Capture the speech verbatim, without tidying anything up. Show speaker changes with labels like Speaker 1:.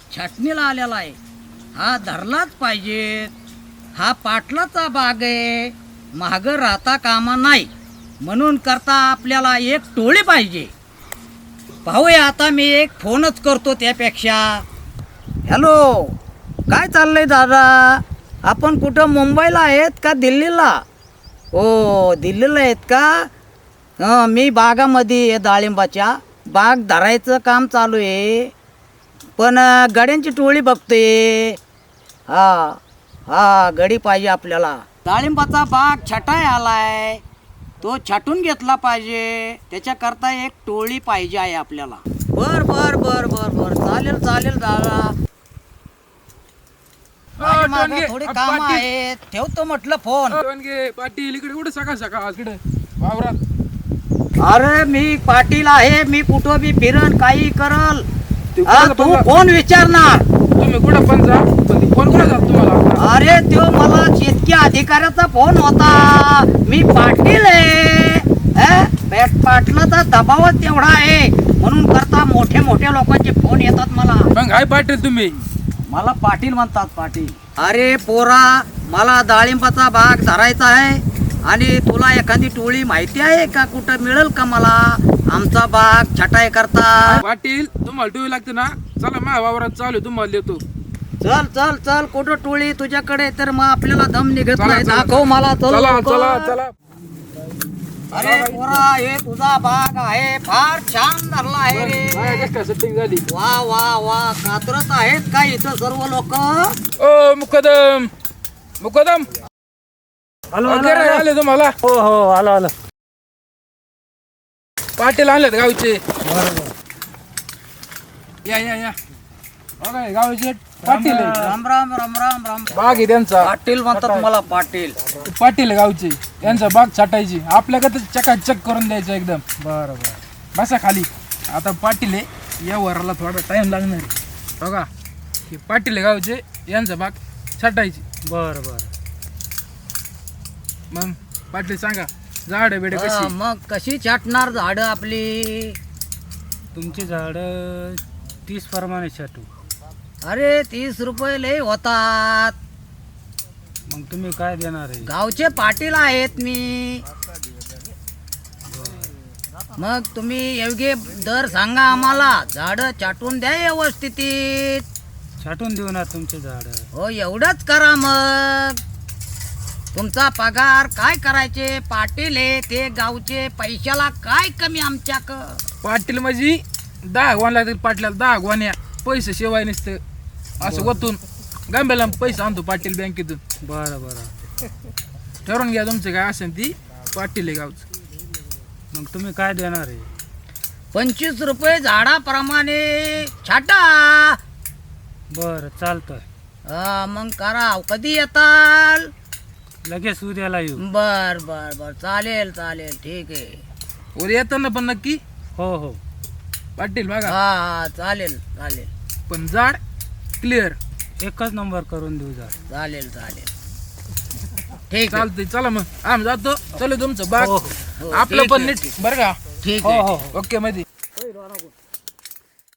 Speaker 1: छाटणीला आलेला आहे, हा धरलाच पाहिजे. हा पाटलाचा बाग आहे, महाग राहता कामा नाही. म्हणून करता आपल्याला एक टोळी पाहिजे. पाहूया आता, मी एक फोनच करतो त्यापेक्षा. हॅलो, काय चाललंय दादा? आपण कुठं मुंबईला आहेत का दिल्लीला? हो, दिल्लीला आहेत का? हं, मी बागामध्ये आहे, डाळिंबाच्या बाग धरायचं काम चालू आहे. पण गड्यांची टोळी बघतोय. हा हा गडी पाहिजे आपल्याला. डाळिंबाचा बाग छटाय आलाय, तो छाटून घेतला पाहिजे. त्याच्याकरता एक टोळी पाहिजे आहे आपल्याला. बर बर बर बर बर चालेल चालेल दादा. माझ्या मागं थोडी काम आहेत, ठेवतो म्हटलं फोन.
Speaker 2: पाटील इकडे कुठे सकाळ सकाळ इकडे वावरात?
Speaker 1: अरे मी पाटील आहे, मी कुठं बी फिरन काही करल. हा, तू कोण विचारणार?
Speaker 2: तुम्ही कुठं पण जा, पण ती फोन कुठं जात तुम्हाला?
Speaker 1: अरे तो मला शेतकी अधिकाऱ्याचा फोन होता. मी पाटील आहे. अ, पॅट- पाटलाचा दबावच तेवढा आहे, म्हणून करता मोठे मोठे लोकांचे फोन येतात मला.
Speaker 2: मग काय पाटील तुम्ही?
Speaker 1: मला पाटील म्हणतात, पाटील. अरे पोरा, मला डाळिंबाचा बाग धरायचा आहे आणि तुला एखादी टोळी माहिती आहे का? कुठं मिळेल का मला आमचा बाग छटाई करता?
Speaker 2: पाटील तुम्हाला टोळी लागते ना, चला माझ्या वावरात चालू, तुम्हाला देतो.
Speaker 1: चल चल चल, कुठं टोळी तुझ्याकडे? तर मग आपल्याला दम निघत
Speaker 2: चला,
Speaker 1: नाही.
Speaker 2: चला,
Speaker 1: दाखव मला. चल
Speaker 2: चला
Speaker 1: लवकर.
Speaker 2: चला चला.
Speaker 1: अरे पोरा, हे तुझा बाग आहे, फार छान धरला आहे रे.
Speaker 2: सेटिंग झाली.
Speaker 1: वा वा वा, कात्रत आहेत का इथं सर्व लोक?
Speaker 2: ओ मुकदम मुकदम वगैरे आले तुम्हाला?
Speaker 3: हो हो, आलो आलो.
Speaker 2: पाटील आलेत गावचे. या या या बघा, गावचे पाटील आहे.
Speaker 1: राम राम राम राम राम.
Speaker 2: बाग आहे त्यांचा.
Speaker 1: पाटील म्हणतात मला, पाटील.
Speaker 2: पाटील आहे गावचे, यांचा बाग छाटायची. आपल्याकडे चकाचक करून द्यायचं एकदम.
Speaker 3: बरं बरं.
Speaker 2: बसा खाली. आता पाटील आहे, या वराला थोडा टाइम लागणार आहे. बघा, हे पाटील आहे गावचे, यांचा बाग छाटायची.
Speaker 3: बरं बरं.
Speaker 2: मग पाटील सांगा, झाड बेडे
Speaker 1: हा,
Speaker 2: कशी?
Speaker 1: मग कशी छाटणार झाड आपली?
Speaker 3: तुमची झाडं तीस प्रमाणे छाटू.
Speaker 1: अरे तीस रुपये लय होतात.
Speaker 3: मग तुम्ही काय देणार आहे?
Speaker 1: गावचे पाटील आहेत मी. मग तुम्ही योग्य दर सांगा आम्हाला. झाड छाटून द्या व्यवस्थित.
Speaker 3: छाटून देऊ ना तुमचे झाडं.
Speaker 1: हो, एवढंच करा. मग तुमचा पगार काय करायचे? पाटील आहे ते गावचे, पैशाला काय कमी आमच्याक?
Speaker 2: पाटील म्हणजे दहा गोवान लागतील पाटल्याला. दहा गोवान्या पैसे शिवाय नसतं. असं वतून गांब्याला पैसे आणतो पाटील बँकेतून.
Speaker 3: बरं बरं.
Speaker 2: ठरवून घ्या तुमचं काय असेल ती. पाटील आहे गावचं.
Speaker 3: मग तुम्ही काय देणार आहे?
Speaker 1: पंचवीस रुपये झाडाप्रमाणे छाटा.
Speaker 3: बरं चालतंय.
Speaker 1: हा, मग करा. कधी येताल?
Speaker 3: लगेच उद्याला येऊ.
Speaker 1: बर बर बर, चालेल चालेल, ठीक आहे.
Speaker 2: उद्या येताना पण नक्की
Speaker 3: हो हो.
Speaker 2: पाटील बघा.
Speaker 1: हा हा, चालेल चालेल
Speaker 2: पण झाड क्लिअर.
Speaker 3: एकच नंबर करून देऊ झाड.
Speaker 1: चालेल चालेल, ठीक आहे.
Speaker 2: चालतंय. चला मग आम्ही जातो. चलो तुमचं बाग
Speaker 3: हो, हो.
Speaker 1: हो,
Speaker 2: आपलं
Speaker 1: ठीक
Speaker 2: पण
Speaker 1: आहे,
Speaker 2: नीट बरं का?
Speaker 1: ठीक
Speaker 3: हो
Speaker 1: आहे.
Speaker 3: हो हो.
Speaker 2: ओके मध्ये.